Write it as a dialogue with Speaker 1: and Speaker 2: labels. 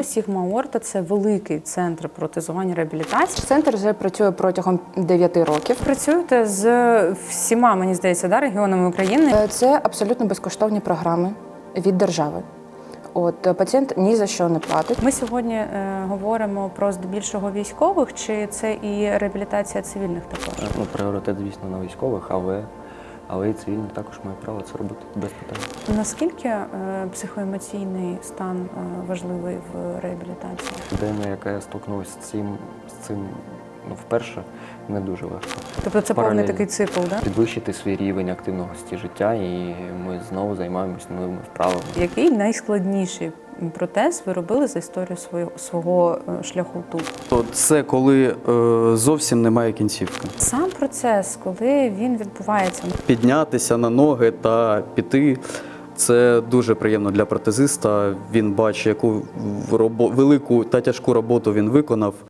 Speaker 1: Sigma Aorta – це великий центр протезування реабілітації.
Speaker 2: Центр вже працює протягом 9 років.
Speaker 1: Працюєте з всіма, мені здається, регіонами України.
Speaker 2: Це абсолютно безкоштовні програми від держави. Пацієнт ні за що не платить.
Speaker 1: Ми сьогодні говоримо про здебільшого військових, чи це і реабілітація цивільних також?
Speaker 3: Пріоритет, звісно, на військових, але і цивільні також мають право це робити без питань.
Speaker 1: Наскільки психоемоційний стан важливий в реабілітації?
Speaker 3: Людина, яка стикнулася з цим вперше, не дуже легко.
Speaker 1: Тобто це повний такий цикл, так?
Speaker 3: Підвищити свій рівень активності життя, і ми знову займаємося новими вправами.
Speaker 1: Який найскладніший протез ви робили за історію свого шляху тут?
Speaker 4: Це коли зовсім немає кінцівки.
Speaker 1: Сам процес, коли він відбувається?
Speaker 4: Піднятися на ноги та піти – це дуже приємно для протезиста. Він бачить, яку велику та тяжку роботу він виконав.